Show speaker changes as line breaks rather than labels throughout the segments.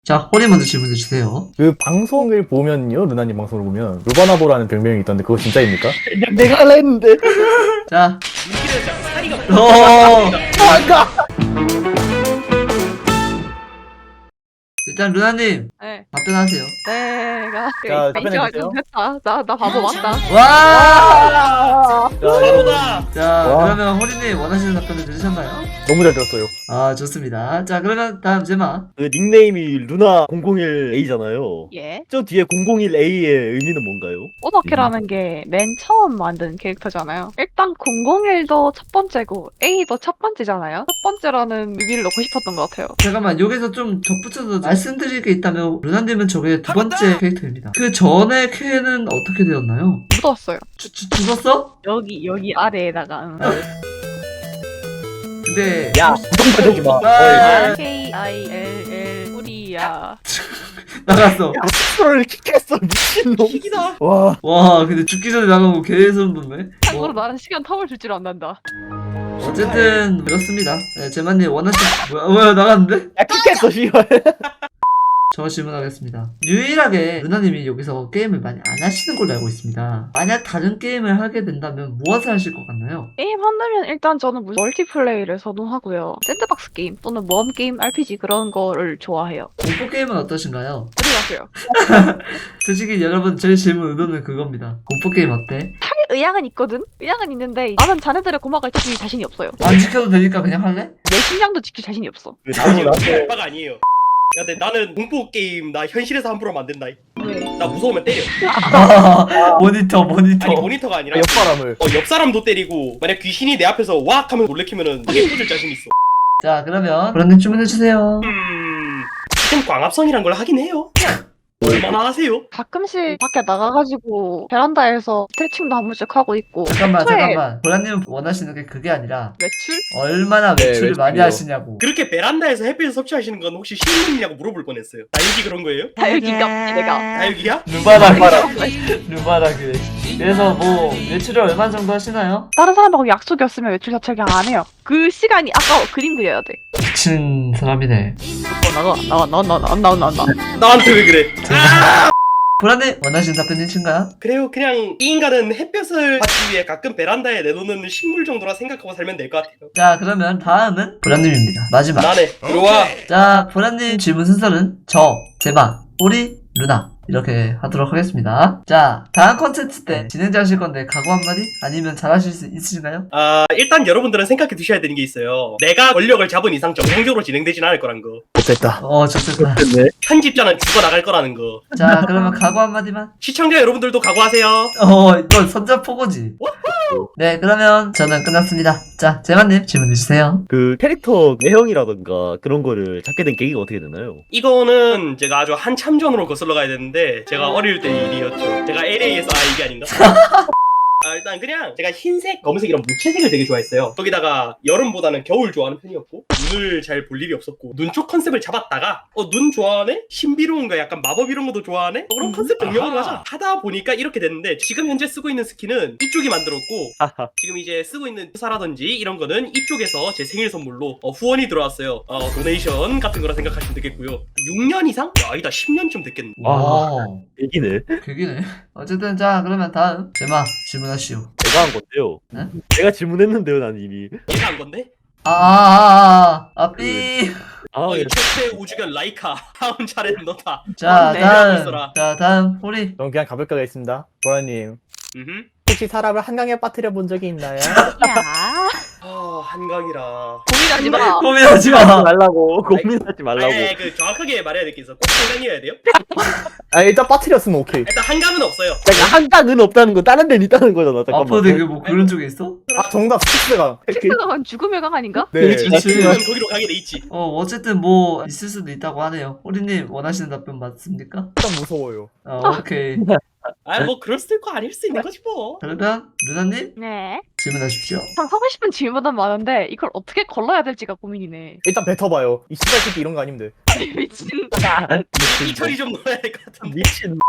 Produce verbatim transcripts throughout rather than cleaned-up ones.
자, 호리 먼저 질문해 주세요.
그 방송을 보면요, 루나님 방송을 보면 루바나보라는 별명이 있던데 그거 진짜입니까?
그냥 내가 할라 했는데.
자,
눈길에서 약간 사리가
어,
도망가.
일단 루나님
네.
답변하세요.
내가
자,
인정할
답변해주세요.
좀 했다. 나, 나 바보 맞다.
와!
바보다.
자,
와.
그러면 호리님 원하시는 답변을 들으셨나요?
너무 잘 들었어요.
아, 좋습니다. 자, 그러면 다음 제마.
그 닉네임이 루나 공공일 에이잖아요.
예.
저 뒤에 공공일 에이의 의미는 뭔가요?
오버킬라는 게 맨 처음 만든 캐릭터잖아요. 일단 공공일도 첫 번째고 A도 첫 번째잖아요. 첫 번째라는 의미를 넣고 싶었던 것 같아요.
잠깐만, 여기서 좀 덧붙여서 말씀드릴 게 있다면 루나님은 저게 두 번째 캐릭터입니다. 그 전에 캐는 어떻게 되었나요?
묻었어요.
주, 주, 죽었어?
여기 여기 아래에다가. 응.
근데
야, 부정 가지 마.
아,
K I L L 우리야.
나갔어.
스스로를 킥했어, 미친놈.
킥이다.
와,
와, 근데 죽기 전에 나가고 개소름 돋네.
참고로
뭐,
나는 시간 텀을 줄 줄 안단다.
어쨌든 그렇습니다. 네, 제마님 원하신 뭐야, 뭐야 나갔는데?
야, 킥했어, 씨발.
저 질문하겠습니다. 유일하게 루나님이 여기서 게임을 많이 안 하시는 걸로 알고 있습니다. 만약 다른 게임을 하게 된다면 무엇을 하실 것 같나요?
게임 한다면 일단 저는 무슨 멀티플레이를 선호하고요. 샌드박스 게임 또는 모험 게임, 알피지 그런 거를 좋아해요.
공포 게임은 어떠신가요?
들어가세요.
솔직히 여러분 제 질문 의도는 그겁니다. 공포 게임 어때?
할 의향은 있거든? 의향은 있는데 나는 자네들의 고막을 지킬 자신이 없어요.
안 지켜도 되니까 그냥 할래?
내 심장도 지킬 자신이 없어.
나도, 나도.
알바가 아니에요. 야, 근데 나는 공포 게임 나 현실에서 함부로 하면 안 된다.
왜?
나 무서우면 때려.
모니터 모니터.
아니 모니터가 아니라
옆사람을.
어, 옆 사람도 때리고 만약 귀신이 내 앞에서 왁 하면 놀래키면은 이게 꽂을 자신 있어.
자 그러면 브랜드 주문해주세요.
음. 지금 광합성이란 걸 하긴 해요. 얼마나 하세요?
가끔씩 밖에 나가가지고 베란다에서 스트레칭도 한 번씩 하고 있고.
잠깐만
평소에
잠깐만. 브랜드님 원하시는 게 그게 아니라
외출?
얼마나
네,
외출을 많이
외출이요.
하시냐고.
그렇게 베란다에서 햇빛을 섭취하시는 건 혹시 실물이냐고 물어볼 뻔했어요. 나유기 그런 거예요?
다육이가 없지 내가.
나유기야?
루바라 루바라 그래. 그래서 뭐 외출을 얼마 정도 하시나요?
다른 사람하고 약속이 없으면 외출 자체를 안 해요. 그 시간이 아까워. 그림 그려야 돼.
미친 사람이네.
어, 나가 나가 나가 나가 나가 나가 나가.
나한테 왜 그래?
브랜드 원하시는 답변 있으신가요?
그래요. 그냥 이 인간은 햇볕을 받기 위해 가끔 베란다에 내놓는 식물 정도라 생각하고 살면 될 것 같아요.
자 그러면 다음은 브랜드입니다. 마지막.
나네. 들어와.
자 브랜드 질문 순서는 저, 제마, 우리, 루나 이렇게 하도록 하겠습니다. 자 다음 컨텐츠 때 진행자 하실 건데 각오 한마디? 아니면 잘하실 수 있으신가요?
아 일단 여러분들은 생각해 두셔야 되는 게 있어요. 내가 권력을 잡은 이상 정상적으로 진행되진 않을 거란 거.
못됐다.
어 좋습니다.
됐네.
편집자는 죽어 나갈 거라는 거.
자 그러면 각오 한마디만.
시청자 여러분들도 각오하세요.
어 이건 선전포고지. 네 그러면 저는 끝났습니다. 자 제마님 질문해주세요.
그 캐릭터 내형이라던가 그런 거를 잡게 된 계기가 어떻게 되나요?
이거는 제가 아주 한참 전으로 거슬러 가야 되는데 제가 어릴 때 일이었죠. 제가 엘에이에서 아 이게 아닌가? 아, 일단 그냥 제가 흰색, 검은색이랑 무채색을 되게 좋아했어요. 거기다가 여름보다는 겨울 좋아하는 편이었고 눈을 잘 볼 일이 없었고 눈 쪽 컨셉을 잡았다가 어 눈 좋아하네? 신비로운 거 약간 마법 이런 것도 좋아하네? 어, 그럼 컨셉 변경으로 하자. 하다 보니까 이렇게 됐는데 지금 현재 쓰고 있는 스킨은 이쪽이 만들었고 지금 이제 쓰고 있는 사라든지 이런 거는 이쪽에서 제 생일 선물로 어, 후원이 들어왔어요. 어, 도네이션 같은 거라 생각하시면 되겠고요. 육 년 이상? 야, 아니다 십 년쯤 됐겠네.
와
계기네.
그기네. 어쨌든 자 그러면 다음 제마 질문하시오.
내가 한 건데요.
네?
내가 질문했는데요, 난 이미.
얘가 한 건데?
아아아아삐.
아,
어이
예.
최초의 우주견 라이카 다음 차례는 너다.
자
네,
다음
있어라.
자 다음 호리.
저는 그냥 가볍게 가겠습니다. 보라님,
음흠.
혹시 사람을 한강에 빠뜨려 본 적이 있나요?
야
아 한강이라.
고민하지 마.
고민하지
하지
마.
말라고. 고민하지 말라고.
아니, 그 정확하게 말해야 될 게 있어. 꼭 한강이어야 돼요?
아 일단 빠뜨렸으면 오케이.
일단 한강은 없어요.
잠깐 한강은 없다는 건 다른 데는 있다는 거잖아. 잠깐만.
아퍼 되게 뭐 그런 쪽에 있어?
아 정답 스틱스가.
텍스가 죽음의 강 아닌가?
네.
그렇지.
지금은 거기로 가게 돼 있지.
어 어쨌든 뭐 있을 수도 있다고 하네요. 호리님 원하시는 답변 맞습니까?
일단 무서워요.
어 오케이.
아 뭐 그럴 수도 있고 아닐 수도 있는 거지 뭐.
그러면 루나님
네.
질문하십시오.
참 하고 싶은 질문은 많은데 이걸 어떻게 걸러야 될지가 고민이네.
일단 뱉어봐요. 이 씨발 새끼 이런 거 아니면 돼.
미친.
이 처리 좀 넣어야 될 것 같은데.
미친.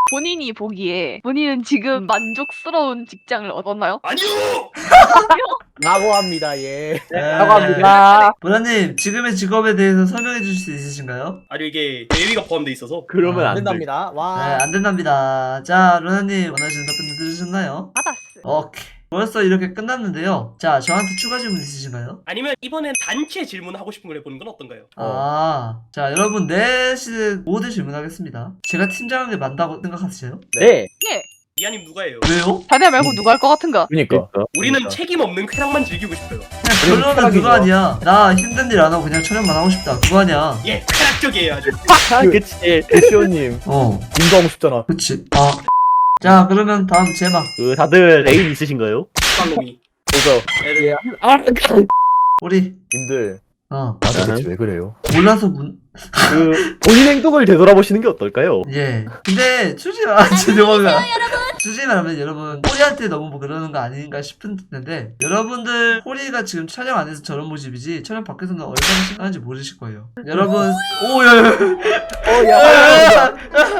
본인이 보기에 본인은 지금 만족스러운 직장을 얻었나요?
아니요.
라고 합니다. 예.
네.
사과합니다.
보라님, 지금의 직업에 대해서 설명해 주실 수 있으신가요?
아니 이게 대위가 포함돼 있어서
그러면
안
안 돼.
된답니다.
네,
와.
안 된답니다. 자, 루나님, 원하시는 답변 들으셨나요?
받았어.
오케이. 벌써 이렇게 끝났는데요. 자, 저한테 추가 질문 있으신가요?
아니면 이번엔 단체 질문하고 싶은 걸 해보는 건 어떤가요?
아, 자, 여러분, 넷이 모두 질문하겠습니다. 제가 팀장한 게 맞다고 생각하세요?
네.
예.
이하님 누가예요?
왜요?
자네 말고 누가 할 것 같은가?
그니까.
우리는
그러니까.
책임 없는 쾌락만 즐기고 싶어요.
그러면
쾌락이죠.
그거 아니야. 나 힘든 일 안 하고 그냥 촬영만 하고 싶다. 그거 아니야.
예, 쾌락적이에요 아주.
아, 그치.
대시오님,
어,
님도 하고 싶잖아.
그치. 아. 자, 그러면 다음 제마.
그 다들 애인 있으신가요?
빵놈이.
그래서
애들
아,
우리,
님들
어,
아 도대체 왜 그래요?
몰라서 문,
그 본인 행동을 되돌아보시는 게 어떨까요?
예. 근데, 솔직히 말하면, 죄송합니다. 솔직히 말하면 여러분, 호리한테 너무 뭐 그러는 거 아닌가 싶은데, 여러분들, 호리가 지금 촬영 안에서 저런 모습이지, 촬영 밖에서는 얼마나 심각한지 모르실 거예요. 여러분, 오, 야, 야,
어,
야.
야.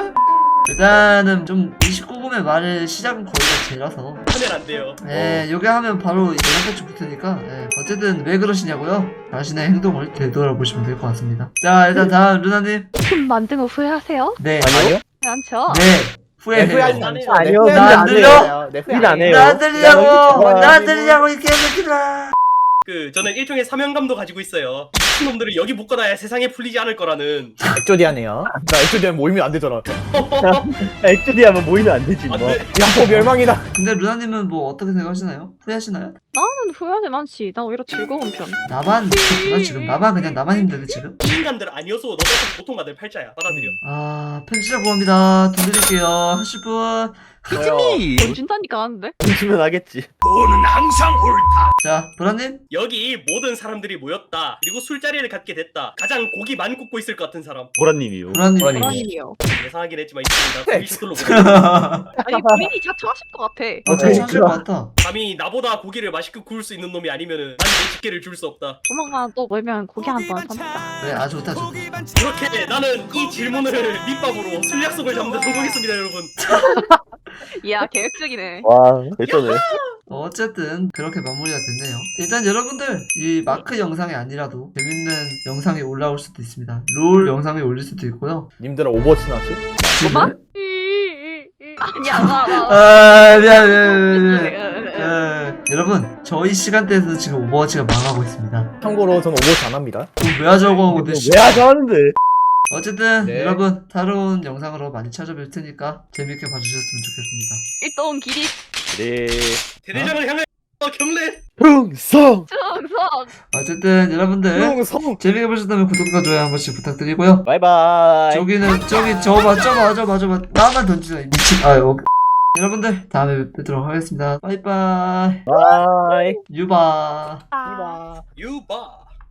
일단은 좀 이십구 금의 말을 시작은 거기가 제라서
하면 안 돼요.
예 요게 하면 바로 연락같이 붙으니까 예, 어쨌든 왜 그러시냐고요? 자신의 행동을 되돌아보시면 될 것 같습니다. 자 일단 다음 루나님.
팀 만든 후 후회하세요?
네.
아니요?
않죠?
네 후회해요.
후회하지
안
않죠.
아니요.
네,
나안
후회하지
들려?
않아요. 네, 후회
일 안 해요.
나 들리냐고
야,
나
여기
들리냐고 이 개새끼들아.
그 저는 일종의 사명감도 가지고 있어요. 이 놈들을 여기 묶어놔야 세상에 풀리지 않을 거라는.
액조디아네요. 나 액조디아 모이면 안 되잖아.
액주디 하면 모이면 안 되지 뭐.
안 돼.
야호 멸망이다.
근데 루나님은 뭐 어떻게 생각하시나요? 후회하시나요?
나는 후회하진 않지. 나 오히려 즐거운 편.
나만 그렇구나 지금 나만 그냥 나만 힘들어 지금.
이 인간들 아니어서 너 같은 보통가들 팔자야. 받아들여.
아 편지자 구합니다. 돈 드릴게요. 하실 분.
돈 준다니까 하는데?
주면 하겠지.
자 보라님.
여기 모든 사람들이 모였다. 그리고 술자리를 갖게 됐다. 가장 고기 많이 굽고 있을 것 같은 사람.
보라님이요.
보라님.
보라님.
불안이요.
예상하긴 했지만 있습니다.
네.
고기 셔틀로 보내.
아니 본인이 자처하실 것 같아.
어, 잘 찾을 것 같다.
감히 나보다 고기를 맛있게 구울 수 있는 놈이 아니면은 난 내 직계를 줄 수 없다.
조만간 또 모이면 고기 한 번 삽니다.
그래, 아, 좋다, 좋다.
그렇게 나는 이 질문을 밑밥으로 술 약속을 잡는 데 성공했습니다, 여러분.
이야 계획적이네.
와, 됐잖아요.
어쨌든, 그렇게 마무리가 됐네요. 일단 여러분들, 이 마크 영상이 아니라도 재밌는 영상이 올라올 수도 있습니다. 롤 영상이 올릴 수도 있고요.
님들아 오버워치 나왔지?
뭐만? 아니야, 나, 나.
아, 미안, 미안, 미안, 미안. 예, 여러분, 저희 시간대에서 지금 오버워치가 망하고 있습니다.
참고로 저는 오버워치 안 합니다.
그럼 왜 하자고 하고, 근데
왜 하자 하는데?
어쨌든,
네.
여러분, 다른 영상으로 많이 찾아뵐 테니까 재밌게 봐주셨으면 좋겠습니다.
일동 길이
네.
대대장을 향해 어, 경례.
흥성.
충성.
어쨌든, 여러분들,
흥성.
재밌게 보셨다면 구독과 좋아요 한 번씩 부탁드리고요.
바이바이.
저기는 저기 저봐 저봐 저봐 저봐 나만 던지자 미친 아 오. 여러분들 다음에 뵙도록 하겠습니다. 빠이빠이
바이.
유바.
아.
유바.